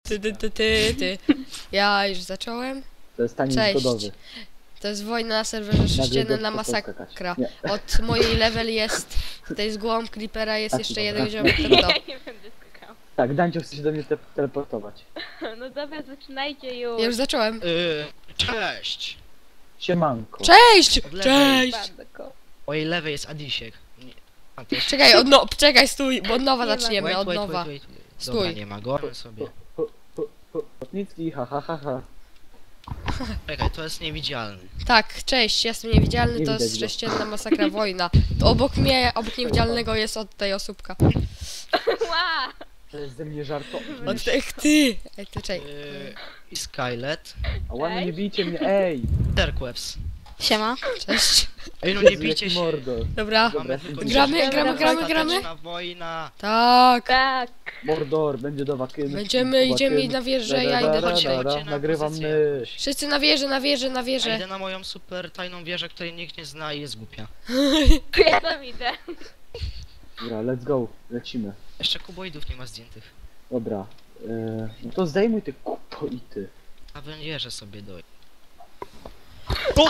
Ja już zacząłem. To jest taniec Cześć. zgodowy. To jest wojna na serwerze sześciennym na masakra. Od mojej level jest, tutaj z głową Creepera jest Tak, jeszcze dobra. jeden ziomek, to Ja kto? nie będę skakał. Tak, Dańcio chce się do mnie teleportować. No dobra, zaczynajcie już. Ja już zacząłem. Cześć! Siemanko. Cześć! Od lewej. Cześć! Bandko. Mojej lewej jest Adisiek. Nie. A, to jest... Czekaj, czekaj, stój, bo od nowa Nie ma. zaczniemy, od nowa. Dobra, Stój. nie ma go, on sobie. Lotnicki, ha ha ha ha. Czekaj, to jest niewidzialny. Tak, cześć, jestem niewidzialny, Nie to widać jest go. sześcienna masakra wojna. To obok mnie, obok niewidzialnego jest od tej osóbka. Ła! To jest ze mnie żartobliwe. Od tych ty! Ej, ty czekaj. I Skylet. A ładnie nie Cześć. bijcie mnie, ej! Terqueps. Siema. Cześć. Ej, no nie Jezu, bijcie jaki się. mordo. Dobra. Mamy tylko Gramy, dzisiaj gramy. ostateczna wojna. Tak. Tak. Mordor, będzie do wakyn. Będziemy, idziemy na wieżę, ja idę Chodźcie, tutaj. chodźcie na Nagrywam pozycję mysz. Wszyscy na wieżę, na wieżę, na Ja wieżę. idę na moją super tajną wieżę, której nikt nie zna i jest głupia. Ja tam idę. Dobra, let's go, lecimy. Jeszcze kuboidów nie ma zdjętych. Dobra, no to zdejmuj te kupoity. A wieżę sobie doj. O!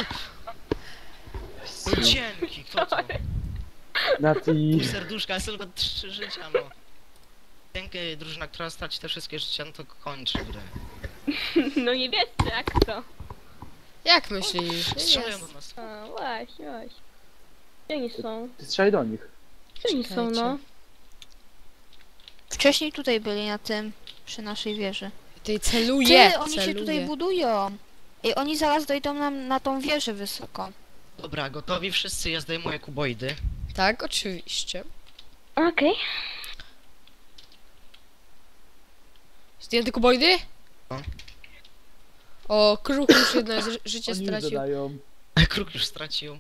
No dzięki, kto to? Nati, Serduszka, jest tylko 3 życia, no. Dzięki, drużyna, która straci te wszystkie życia, no to kończy grę. No nie wiesz jak to. Jak myślisz? Strzelają Jest. do nas. A, właśnie. Gdzie oni są? ty strzelaj do nich. Gdzie oni są, no? Wcześniej tutaj byli na tym, przy naszej wieży. Ty celuje, Ty, oni się tutaj budują. I oni zaraz dojdą nam na tą wieżę wysoko. Dobra, gotowi wszyscy, ja zdejmuję kuboidy. Tak, oczywiście. Okej. Zdjęty kuboidy? No. O, kruk już jedno życie Oni stracił. dodają. Kruk już stracił.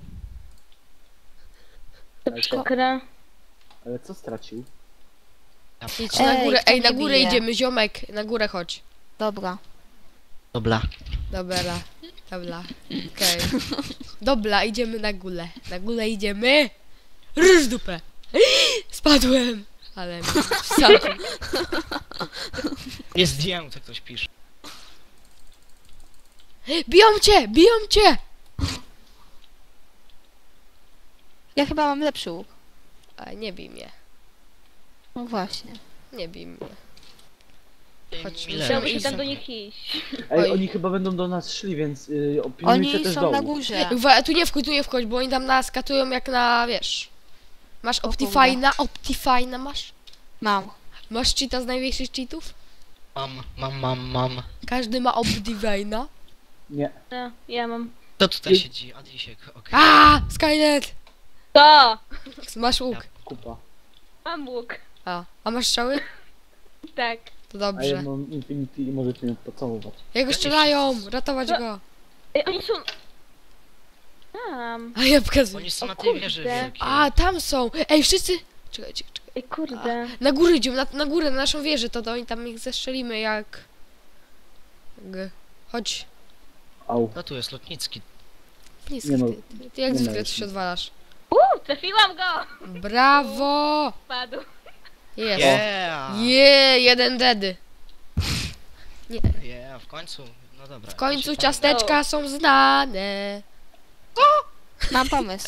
Ale co, Przykra. ale co stracił? Idź na Ej, górę, kto ej, na mnie górę bije? idziemy, ziomek, na górę chodź. Dobra. Dobra. Dobra, okej. Dobra, idziemy na górę. Na górę idziemy. Ryż dupę. Spadłem. Ale mi wsadził. Nie zdjął, co ktoś pisze. Biją cię, biją cię. Ja chyba mam lepszy łuk. A nie bij mnie, No właśnie. nie bij mnie. Chodź, Miller. Ja muszę Iść. tam do nich iść. Ej, Oj. oni chyba będą do nas szli, więc opilnujcie Oni też są dołu. na górze. Tu nie wchodź, bo oni tam nas katują jak na, wiesz. Masz Optifine'a masz? Mam. Masz cheata z największych cheatów? Mam. Każdy ma Optifine'a. Nie, No, ja mam. Kto tutaj siedzi? Adisiek, okej. A, Skynet! To! Masz łuk. kupa. Mam łuk. A masz strzały? Tak. To A ja dobrze. mam Infinity i możecie mnie pocałować. Jak strzelają, ratować go. Ej, oni są... Tam. A ja pokazuję. Oni są O na tej kurde. wieży wielkiej. A, tam są. Ej, wszyscy. Czekajcie. Ej, kurde. Na górę idziemy, na górę, na naszą wieżę, to oni tam ich zestrzelimy jak... Chodź. Au. No tu jest lotnicki. Niski, Nie no, ty jak nie zwykle należy. się odwalasz. Trafiłam go! Brawo! Padł. Jest. Yeah! Jeden dedy. Yeah, w końcu. No dobra. W końcu ja się ciasteczka są znane. Mam pomysł.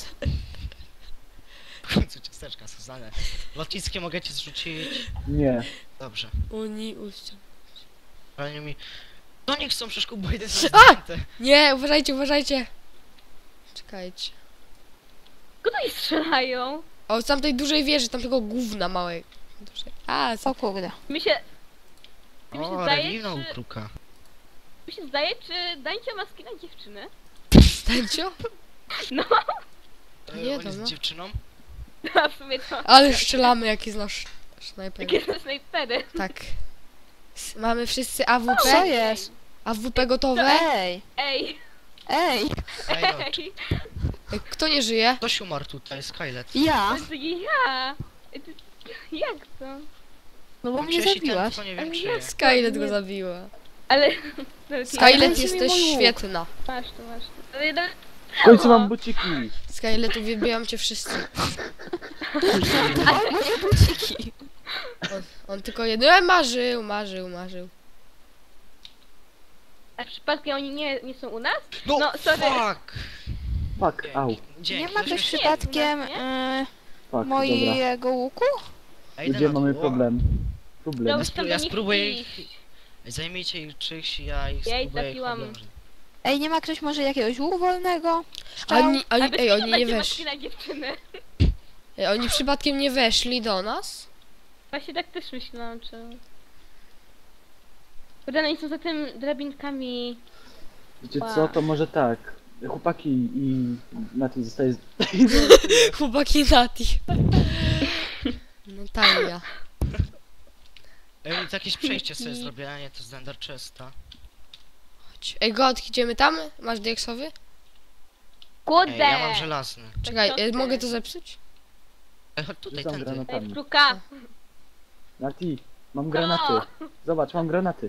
W końcu ciasteczka są znane. Lotnickie mogę cię zrzucić. Nie. Dobrze. Oni uścią. Ale nie mi... No nie chcą, przecież kuboidy są zdjęte. Nie, uważajcie. Czekajcie. Kto tutaj strzelają? O, z tamtej dużej wieży, tamtego gówna małej. Dużej. A, O kurde. Mi się O, zdaje, relinął czy- kruka. Mi się zdaje, czy Dańcia ma skina dziewczyny? stańcio? No, Nie, On jest dobra. dziewczyną? a w sumie to... Ale strzelamy, jak jest nasz snajper. Jakie to snajpery. Tak. Mamy wszyscy Co AWP? jest? AWP gotowe? Ej! Ej, Ej! Ej, no, ej, Kto nie żyje? ktoś umarł tutaj, Skylet. Ja? to ja. Jak to? No bo mnie Przecież i ten, zabiłaś. tylko nie Ale wiem czy jak? jest. Skylet go zabiła. Ale... Skylet, dajcie mi jesteś mój łuk. świetna. Masz to, masz to. Ale nawet- W końcu mam buciki. Skylet, uwielbiam cię wszyscy. Moje buciki. On tylko jedno... marzył. A przypadkiem oni nie są u nas? No, No, sorry. fuck! Fuck, au. Dzięki, Nie ma ktoś żeśmy- przypadkiem Nie? Fuck, dobra. mojego łuku? Ej, idę Gdzie na mamy dół. problem? No, Problem. już tam Ja do nich spróbuję iść. ich... Zajmijcie ich czyś, ja ich Ja ich spróbuję zabiłam. oblężyć. Ej, nie ma ktoś może jakiegoś łuku wolnego? Oni, A oni, bez ej, kitu oni nie będzie weszli. maskina dziewczyny. Ej, oni przypadkiem nie weszli do nas? Właśnie tak też myślałam, czy... Kurde, no oni są za tym drabinkami. Wiecie co, to może tak. Chłopaki i Nati zostaje... Chłopaki Nati. Natalia. Ej, oni to jakieś przejście sobie zrobię, a nie to z Ender Chesta. Chodź. Ej, God, idziemy tam? Masz dieksowy? Kurde! Ej, ja mam żelazny. Czekaj, co ty? mogę to zepsuć? Ej, chodź tutaj, Rzucam tędy. Ej, granatami. pruka! Nati, mam granaty. Zobacz, mam granaty.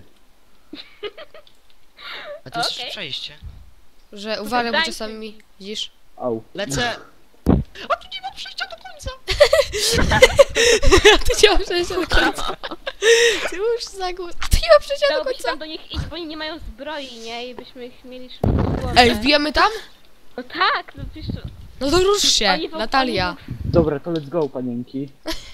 A to jest Okej. przejście. Że uważaj, bo dajcie czasami mi... Widzisz? Au. Lecę! A tu nie ma przejścia do końca! A ty nie ma przejścia do końca. Ty już za górę. A ty nie ma przejścia do Dałoby się końca. tam do nich iść, bo oni nie mają zbroi, nie? I byśmy ich mieli szybko w głowę. Ej, wbijamy tam? No tak, no przecież... No to rusz się, Oni w- Natalia. Dobra, to let's go, panienki.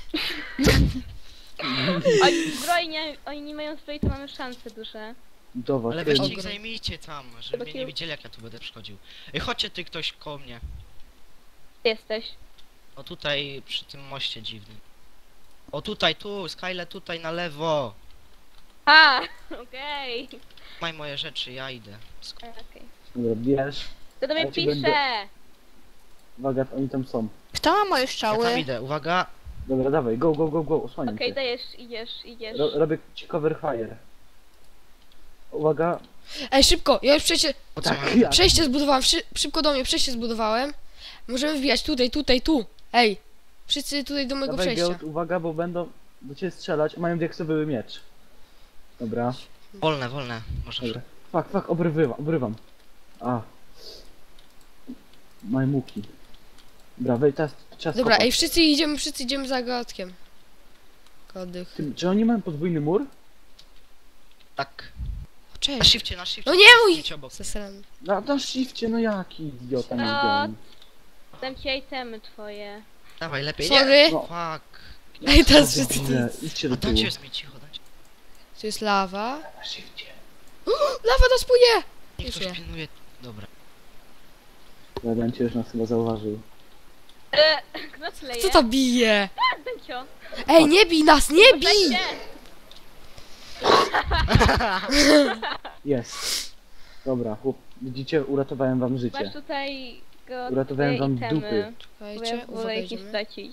Oni nie mają zbroi, to mamy szanse duże. Do was. Ale Ej, weźcie ich Ogrom. zajmijcie tam, żeby mnie nie widzieli jak ja tu będę przychodził. Ej, chodźcie ty ktoś koło mnie. Ty jesteś. O tutaj, przy tym moście dziwnym. O tutaj, tu, Skyle tutaj na lewo. A, okej. Maj moje rzeczy, ja idę. Okej. Dobra, bierz. To do mnie Ja ci pisze! będę- Uwaga, oni tam są. Kto ma moje Ja tam strzały? idę, uwaga. Dobra, dawaj, go, go, go, go, osłaniam Okej, cię. dajesz, idziesz. Robię ci cover fire. Uwaga. Ej, szybko, ja już Po co Tak, mam? ja. przejście zbudowałem, szybko do mnie, przejście zbudowałem. Możemy wbijać tutaj, tu. Ej, wszyscy tutaj do mojego Dawaj, przejścia. Geot, uwaga, bo będą do ciebie strzelać. Mają diaksowy miecz. Dobra, Wolne, wolne. Możesz. dobra. Fuck, obrywam. A. Majmuki. Dobra, wejdź, teraz czas Dobra, kopać. ej, wszyscy idziemy za Godkiem. Godych. Ty, czy oni mają podwójny mur? Tak. O, Na cześć. shifcie, na shifcie. No nie mój! Idź obok. Zesrany. Na shifcie, no jaki idiota nie No. wiem. Dam ci itemy twoje. Dawaj, lepiej. Nie. Sorry. No. Fuck. Ej, teraz wszyscy tu. Debile, idźcie do A tyłu. dajcie jest mi cicho, dajcie. Tu jest lawa. Na shifcie. Lawa nas płynie! Niech Już ktoś nie. pilnuje. Dobra. Dancio już nas chyba zauważył. Kto kleje? Co to bije? Dancio. Ej, nie bij nas, nie bij! Dajcie. Jest. Dobra, chłop, widzicie, uratowałem wam Masz życie. tutaj go Uratowałem twoje wam itemy. dupy. Bo ja Czekajcie, wolę uwaga, ich nie idziemy. stracić.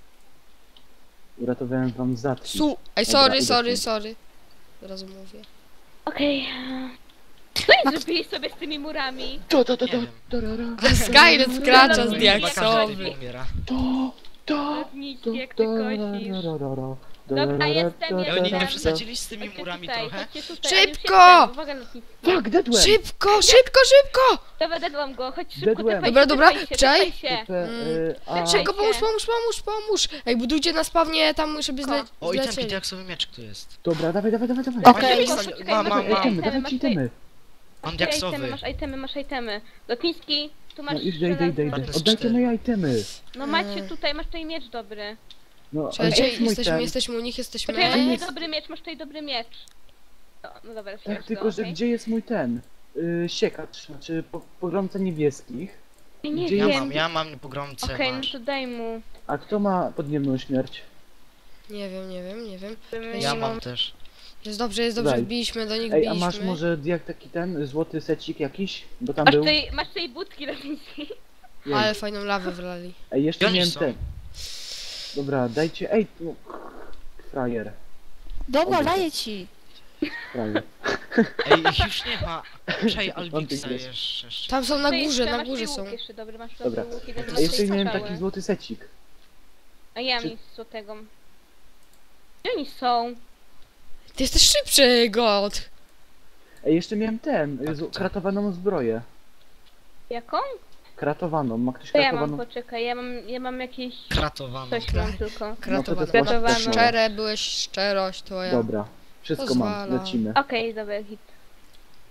Uratowałem wam zatki. Ej, Dobra, sorry. idę Od razu mówię. Okej. Co oni zrobili sobie z tymi murami? To, Nie wiem. Skynet wkracza z Chyba Chyba każdy diaksowy. tylko umiera. Lotniczki, jak ty kosisz. Dobra, jestem. Ej, oni nie Jestem. przesadzili z tymi Chodźcie murami tutaj, trochę? chodźcie tutaj, ale już Szybko! jestem. Uwaga, lotniczki. Fuck, deadłem! Szybko! Dobra, dedłam go, chodź szybko, Dedłem. tepaj Dobra, się, dobra, tepaj się, czekaj. tepaj się. A, Szybko, Dajcie. pomóż! Ej, budujcie na spawnie tam, żeby O, i ten zlecieli. diaksowy miecz tu jest. dobra, dawaj. Okej. Szybko, Mam, poczekaj, mam, masz Itemy, itemy, dawajcie masz itemy. Mam itemy, diaksowy. masz itemy. Lotniczki, tu masz No idę. żelazne. To jest Oddajcie 4. moje itemy. No macie tutaj, masz tutaj miecz dobry. No, ale Czekajcie, jest mój ten. jesteśmy u nich, Poczekaj, masz jesteśmy... tutaj dobry miecz, masz tutaj dobry miecz. No dobra, Tak, wsiądź tylko go, że okej? gdzie jest mój ten? Siekacz, znaczy pogromca niebieskich. Nie gdzie wiem. Ja mam pogromcę, Okej, no masz. to daj mu. A kto ma podniebną śmierć? Nie wiem. Ja mam też. Jest dobrze, Daj. wbiliśmy do nich, Ej, a masz może jak taki ten złoty secik jakiś? Bo tam był. Masz tutaj budki lotniczki. Jej. Ale fajną lawę wlali. Ej, jeszcze Gdzie oni miałem są? ten. Dobra, dajcie. Ej, tu. Frajer. Dobra, Dobra. daję ci. Frajer. Ej, ich już nie ma. Czaj Albixa Antychryst. jeszcze. Tam są na Tutaj górze, jeszcze na masz górze tutaj są. łuk Jeszcze, dobry, masz Dobra. dobry łuk, jeden A masz jeszcze tutaj miałem strzały. taki złoty secik. A ja Czy- mi złotego. Gdzie oni są? Ty jesteś szybszy, God! Ej, jeszcze miałem ten. Tak, co? Kratowaną zbroję. Jaką? Kratowaną. Ma ktoś To ja mam, kratowaną? poczekaj, ja mam jakieś... Kratowane. Coś mam tylko. Kratowana. No to jest Kratowana. właśnie- Szczere byłeś, szczerość twoja. Dobra. Wszystko mam. Pozwala. Lecimy. Okej, dobra, hit.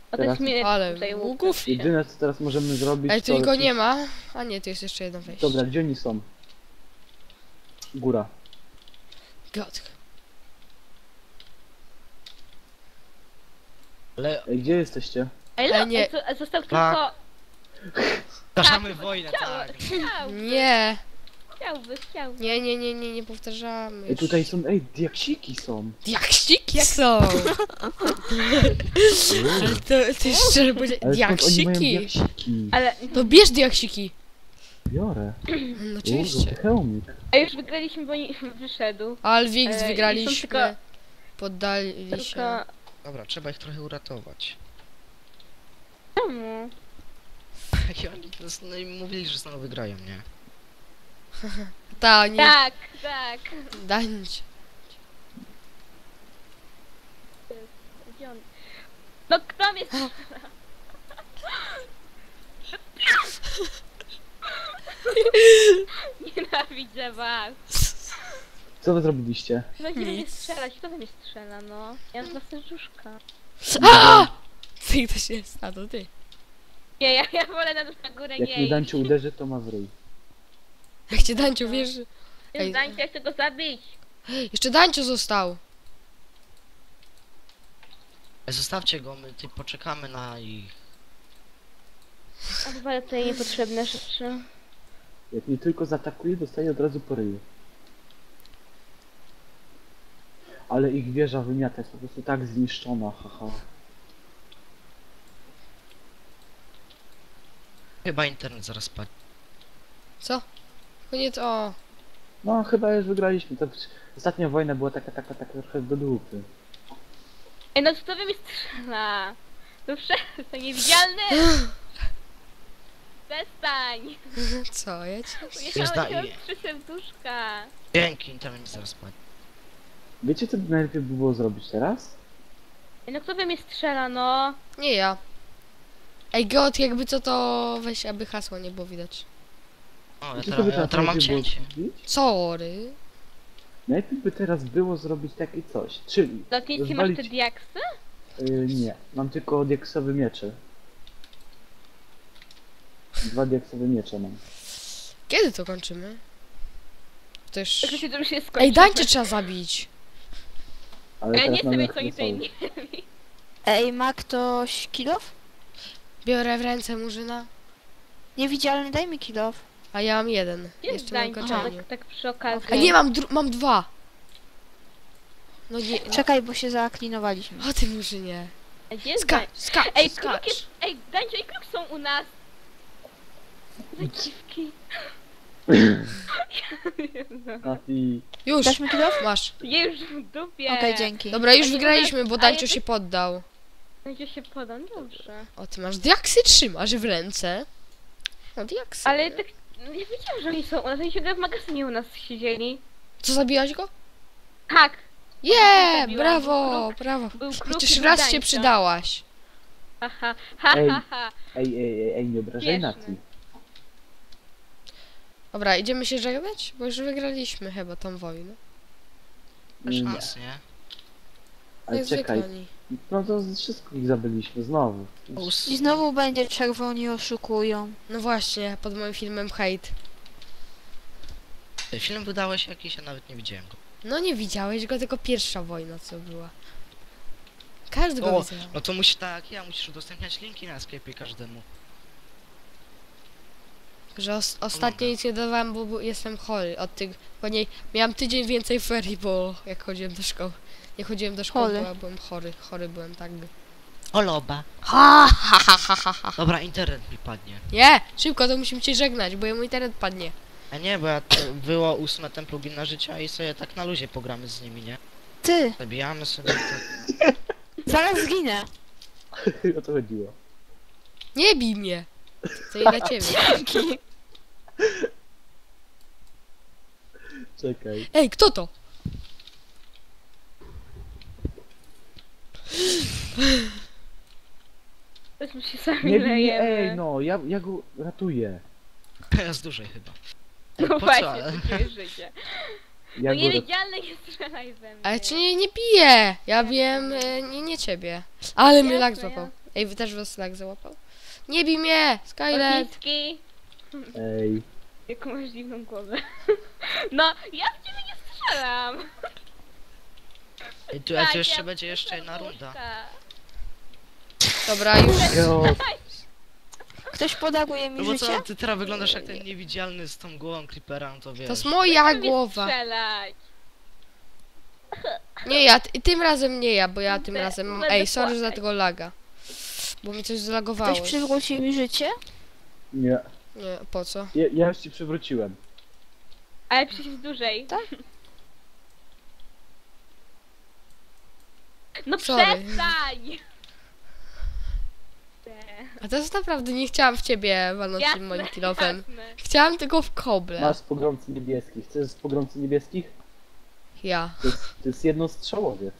O, to jest mnie Ale tutaj ługów. Jedyne co teraz możemy zrobić Ej, tu to... nikogo nie ma. A nie, tu jest jeszcze jedno wejście. Dobra, gdzie oni są? Góra. God. Ale Ej, gdzie jesteście? Ej, Ej, nie. został Tak. tylko... zgaszamy wojnę, tak. Nie. Chciałby. Nie powtarzamy. Ej, tutaj są... Ej, diaksiki są! Diaksiki są! Ale to ty szczerze powiedzieć, Ale skąd oni mają diaksiki! diaksiki? Ale... To bierz diaksiki! Biorę. No oczywiście. Hełmik. A już wygraliśmy, bo nie wyszedł. Alwix i są wygraliśmy. tylko- Poddali się. Tylko... Dobra, trzeba ich trochę uratować. Czemu? I oni no i mówili, że znowu wygrają, nie? Ta, nie. Tak. Dańcie. Gdzie on? No kto mnie strzela? Nienawidzę was. Co wy zrobiliście? Będzie mnie Nic. strzelać, kto we mnie strzela, no? Ja mam dwa serduszka. A! Ty ktoś jest, a to ty. Nie, ja wolę na górę Jak nie mnie iść. Dańcie uderzy, to ma w ryj. Jak cię Dańcio wiesz. Ej. Dańcie, ja chcę go zabić. Jeszcze Dańcio został. Zostawcie go, my ty poczekamy na ich. Odwalę tutaj niepotrzebne rzeczy. Jak mnie tylko zaatakuje, dostaję od razu po ryju. Ale ich wieża wymiata jest po prostu tak zniszczona, haha. Chyba internet zaraz padnie. Co? Koniec, o. No chyba już wygraliśmy. Ostatnia wojna była taka trochę do dupy. Ej, no kto we mnie strzela? No przestań, niewidzialny! Przestań! Co, ja cię... Ujechałeś daję. od 3 serduszka. Dzięki, internet mi zaraz padnie. Wiecie co najlepiej by było zrobić teraz? Ej, no kto we mnie strzela, no? Nie ja. Ej, God, jakby co to weź, aby hasła nie było widać. O, Wiecie, ja co by teraz mam najlepiej było cięcie. zrobić? Sorry. Najlepiej by teraz było zrobić takie coś, czyli... Lotnicy masz te rozwalić- diaksy? Nie, mam tylko diaksowe miecze. 2 diaksowe miecze mam. Kiedy to kończymy? Też... Tak się to już jest skończone. Ej, Dańcie trzeba zabić. Ale Ja teraz nie mamy chcę mieć na co oni tutaj sojusz. nie. Ej, ma ktoś kilof? Biorę w ręce murzyna, Niewidzialny, daj mi kilof. a ja mam jeden. Jest Jeszcze na Dańcie, ukończeniu. tak przy okazji. A nie, mam dwa. No nie... Czekaj, bo się zaaklinowaliśmy. O ty murzynie. A gdzie jest Skacz, skacz, Ej, skacz. kruk jest... Ej, Dańcio i kruk są u nas. Za dziwki. Nati, Już, Dasz mi kilof? masz. Je już w dupie. Okej, dzięki. Dobra, już A nie wygraliśmy, bo a Dańcio jak- się poddał. Dańcio się podam, dobrze. O, ty masz diaksy trzymasz w ręce. No diaksy. Ale tak... Nie wiedziałam, że oni są u nas. Oni ciągle w magazynie u nas siedzieli. Co, zabiłaś go? Tak. Je, zabiłam. brawo, Kruk. brawo. Był kruk Chociaż i raz się Dańcio. przydałaś. Haha, ha, Ej. ha, ha. ej, nie obrażaj Śmieszne. Nati. Dobra, idziemy się żegnać? Bo już wygraliśmy chyba tą wojnę. Nie, Szans, nie? ale Jak czekaj, zwykle oni. no to wszystko ich zabiliśmy, znowu. I znowu będzie czerwoni oszukują. No właśnie, pod moim filmem hejt. Film wydałeś jakiś, ja nawet nie widziałem go. No nie widziałeś go, tylko pierwsza wojna co była. Każdy go O, widział. no to musi tak, ja musisz udostępniać linki na sklepie każdemu. Że ostatnio nic nie dawałem, bo jestem chory. Od tych, później miałam tydzień więcej ferii, bo jak chodziłem do szkoły. Nie chodziłem do szkoły, Chory. bo byłem chory. Chory byłem, tak. Oloba. Ha, ha, ha, ha, ha, ha. Dobra, internet mi padnie. Nie, szybko, to musimy cię żegnać, bo mój internet padnie. A nie, bo ja to było 8 templum gimna życia i sobie tak na luzie pogramy z nimi, nie? Ty, Zabijamy sobie tak. zaraz zginę. O to chodziło. Nie bij mnie. To i dla ciebie. Czekaj. Ej, kto to? Tośmy się sami Nie, lejemy. ej, no, ja go ratuję. Ja z dużej chyba. No Po co? właśnie, takie życie. Ja No go ratuję. niewidzialny nie strzelaj we mnie. Ale cię nie biję. Ja wiem, nie ciebie. Ale mnie Jasne, lak złapał. Ej, wy też was lag załapał? Nie bij mnie! Skylet! Lotnicki. Ej, Jaką masz dziwną głowę. No, ja w ciebie nie strzelam. Ej, tu Tak, jeszcze ja będzie jeszcze jedna puszczę. runda. Dobra, już. jo, Ktoś podaruje mi No bo życie? co, ty teraz wyglądasz jak ten niewidzialny z tą głową creepera, no to wiesz. To jest moja Chcę mnie głowa. strzelać. Nie ja, tym razem nie ja, bo ja tym razem mam... Będę Ej, sorry za płakać. tego laga. Bo mi coś zlagowało. Ktoś przywrócił mi życie? nie. Nie, po co? Ja już ci przywróciłem. Ale przecież dłużej. Tak? No Sorry. przestań! A teraz naprawdę nie chciałam w ciebie walnąć tym moim kilofem. jasne. Chciałam tylko w koble. Masz z pogromcy niebieskich. Chcesz z pogromcy niebieskich? Ja. To jest jednostrzałowiec.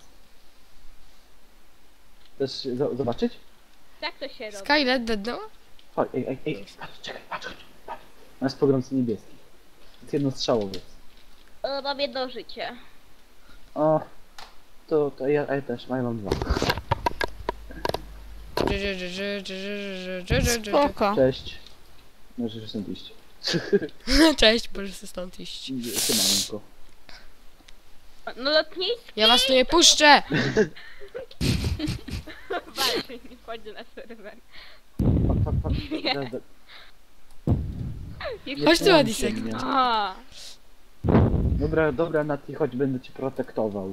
Chcesz zobaczyć? Tak to się robi. Skylet deadnęła? Chodź, ej, patrz, czekaj, patrz. Masz z pogromcy niebieskich. To jest jednostrzałowiec. Mam jedno życie. O, to ja też, ja mam dwa. Spoko. Cześć. Możesz stąd iść. Cześć, możesz sobie stąd iść. Siemanko. No lotnicki! Ja was tu nie puszczę! Walczy, nie wchodzi na serwer. Nie. Chodź tu, Nie Adisek. mnie. A, Dobra, Nati, chodź, będę cię protektował.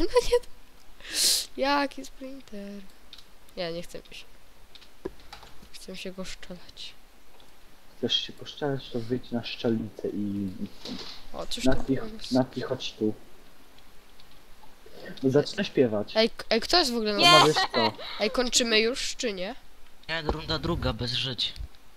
Jaki sprinter? Ja nie chcę się. Chcę się go szczelać. Chcesz się poszczelać, to wyjdź na szczelnicę i... O, cóż to Nati, chodź tu. No zacznę śpiewać. Ej, kto jest w ogóle na... Nie. No wiesz co? Ej, kończymy już, czy nie? Nie, runda druga, bez żyć.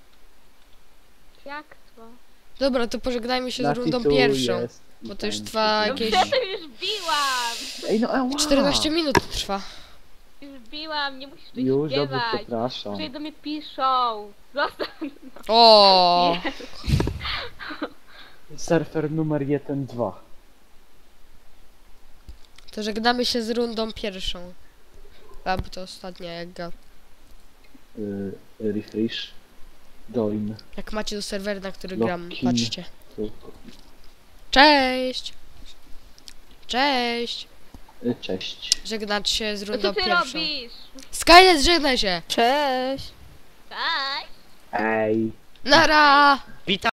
jak to? Dobra, to pożegnajmy się z Nati rundą tu pierwszą. jest i bo to już tańczy. trwa No jakieś- przecież już biłam! Ej, no ała! 14 minut trwa. Już biłam, nie musisz tu Już, dobrze, śpiewać. przepraszam. Przecież do mnie piszą. Zostaw. O, Surfer numer 1-2. to żegnamy się z rundą pierwszą. Albo to ostatnia, jak ga... Refresh. Join. Jak macie do serwera, na który gram, Login. patrzcie. Cześć! Cześć! Cześć. Żegnać się z Co rundą ty pierwszą. robisz? Skynet, żegnaj się! Cześć! Cześć! Ej. Nara! Witam!